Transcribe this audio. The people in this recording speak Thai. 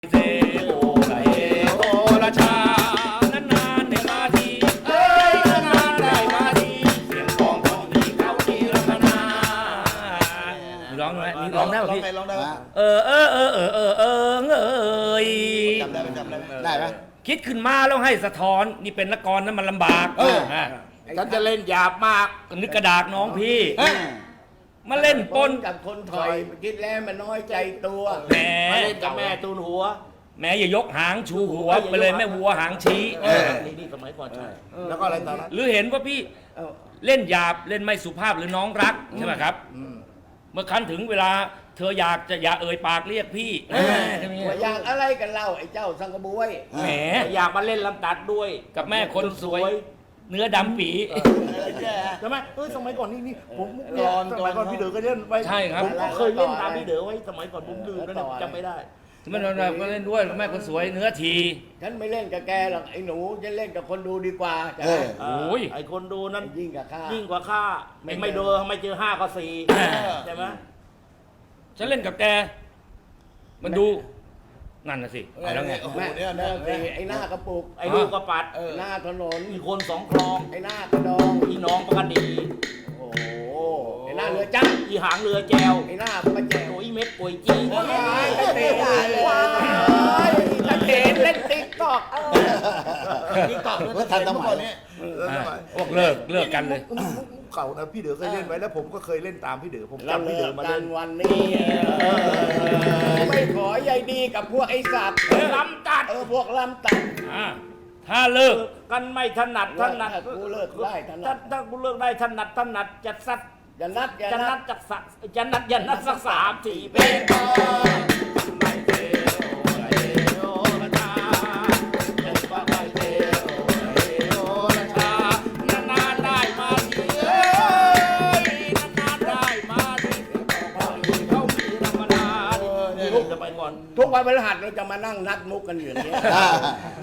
เซโอละเอโอละชานานๆได้มาทีเอ้ยนานๆได้มาทีเสียงของดีเขาดีรัตนามีร้องไหมมีร้องได้ป่ะพี่ร้องได้ไหมเออจำได้ไหมได้ไหมคิดขึ้นมาแล้วให้สะท้อนนี่เป็นนักกรนั้นมันลำบากฉันจะเล่นหยาบมากนึกกระดากน้องพี่มาเล่นปนกับคนถอยคิดแล้วมันน้อยใจตัวแหมมาเล่นกับแม่ตูนหัวแหมอย่ายกหางชูหัวไปเลยแม่วัวหางชี้นี่สมัยก่อนใช่แล้วก็อะไรตอนนั้นหรือเห็นว่าพี่เล่นหยาบเล่นไม่สุภาพหรือน้องรักใช่ไหมครับเมื่อครั้นถึงเวลาเธออยากจะอย่าเอ่ยปากเรียกพี่ว่าอยากอะไรกันเล่าไอ้เจ้าสังกะบวยแหมอยากมาเล่นลำตัดด้วยกับแม่คนสวย เนื้อดำปีใช่ไหมสมัยก่อนนี่ผมสมัยก่อนพี่เด๋อก็เล่นไปใช่ครับผมก็เคยเล่นตามพี่เด๋อไว้สมัยก่อนผมลืมแล้วจำไม่ได้มันก็เล่นด้วยแม่คนสวยเนื้อทีฉันไม่เล่นกับแกหรอกไอ้หนูฉันเล่นกับคนดูดีกว่าจ้ะโอ้ยไอคนดูนั้นยิ่งกับข้ายิ่งกว่าข้าไม่เดอไม่เจอ5 ก็ 4ใช่ไหมฉันเล่นกับแกมันดูนั่นน่ะสิเอาแล้วไงโอ้โหแม่เนี่ยไอ้หน้ากระปุกไอ้ลูกกระปัดหน้าถนนอีกคน2 คลองไอ้หน้ากระดองอีน้องปกติโอ้โหไอ้หน้าเรือจ้าอีหางเรือแจวไอ้หน้าประแจวโอ้ยเม็ดป่วยจี้ตะเตะตะเตะเล่นติ๊กตอกนี่ตอบว่าทันสมัยนี้พวกเลิกกันเลยเก่านะพี่เด๋อเคยเล่นไว้แล้วผมก็เคยเล่นตามพี่เด๋อผมเราจำพี่เลิเด๋อก มากัเล่นนวันนี้ไม่ขอใยดีกับพวกไอ้สัตว์ลำตัดพวกลำตัดถ้าเลิกกันไม่ถนัดกูเลิกได้ถนัดถ้ากูเลิกได้ถนัดจะสักอย่านัดอย่าจะนันัดดจากสักจะนัดสัก3-4 เป็นนานๆได้มาทีเอ้ยนานๆได้มาทีเขามีธรรมดาจะไปก่อนทุกวันพฤหัสเราจะมานั่งนัดมุกกันอยู่อย่างนี้